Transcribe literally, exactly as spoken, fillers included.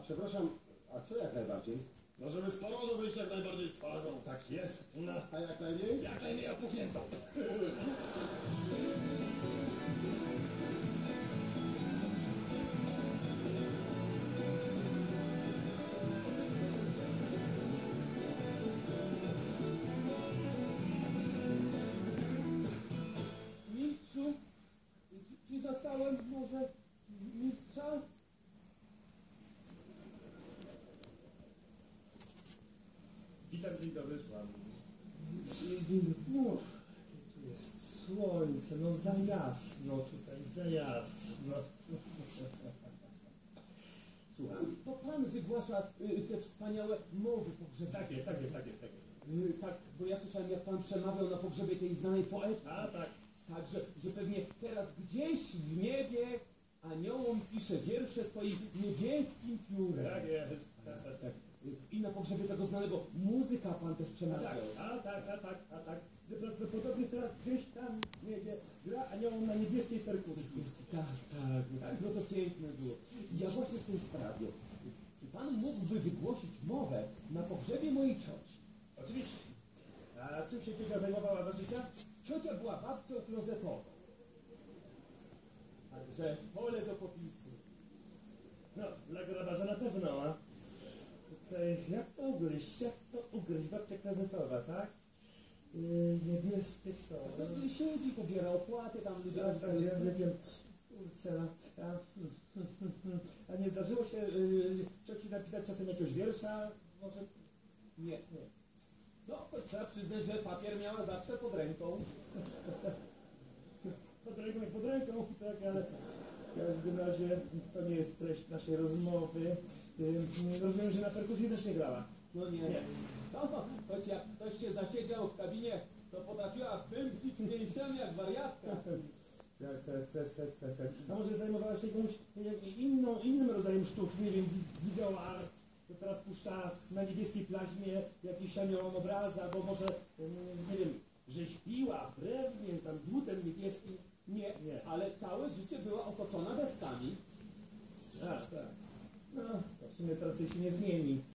przepraszam, a co jak najbardziej? No żeby z porodu wyjść jak najbardziej z twarzą. Tak jest. No, A jak najmniej? jak najmniej opuchniętą. Mistrzu, czy zastałem może mistrza? Witam, dzień dobry, słucham. No, tu jest słońce, no za jasno tutaj, za jasno. Słucham, to pan wygłasza y, te wspaniałe mowy pogrzebowe. Tak jest, tak jest, tak jest, tak jest. Y, tak, bo ja słyszałem, jak pan przemawiał na pogrzebie tej znanej poetki. A tak. Tak, że, że pewnie teraz gdzieś w niebie aniołom pisze wiersze swoim niebieskim piórem. Tak jest. Tak, tak, tak. I na pogrzebie tego znanego muzyka pan też A przemawiał. tak, a tak, a tak, a tak. Że prawdopodobnie teraz gdzieś tam w niebie gra aniołom na niebieskiej perkusji. Tak, tak, tak, no to piękne było. Ja właśnie w tej sprawie, czy pan mógłby wygłosić mowę na pogrzebie mojej cioci? Oczywiście. A czym się ciocia zajmowała za życia? Ciocia była babcią klozetową. Także pole do popisu. No, dla grabarza na pewno, a tutaj, jak to ugryźć, jak to ugryźć? Babcia klozetowa, tak? Yy, niebieskie co? No to siedzi, pobiera opłaty, tam ludzie... Ja tak wiem, nie wiem. Kurczę, a, a, a nie zdarzyło się yy, cioci napisać czasem jakiegoś wiersza? Może? Nie, nie. No, to trzeba przyznać, że papier miała zawsze pod ręką. Pod ręką jak pod ręką, tak, ale w każdym razie to nie jest treść naszej rozmowy. Yy, rozumiem, że na perkusji też nie grała. No nie. Nie. No, choć jak ktoś się zasiedział w kabinie, to potrafiła pędzić mięśniami jak wariatka. Tak, tak, tak, tak, tak, tak. A może zajmowała się jakąś nie wiem, inną, innym rodzajem sztuki, nie wiem, video art, to teraz puszcza na niebieskiej plaźmie jakiś aniołom obraz, albo może, nie wiem,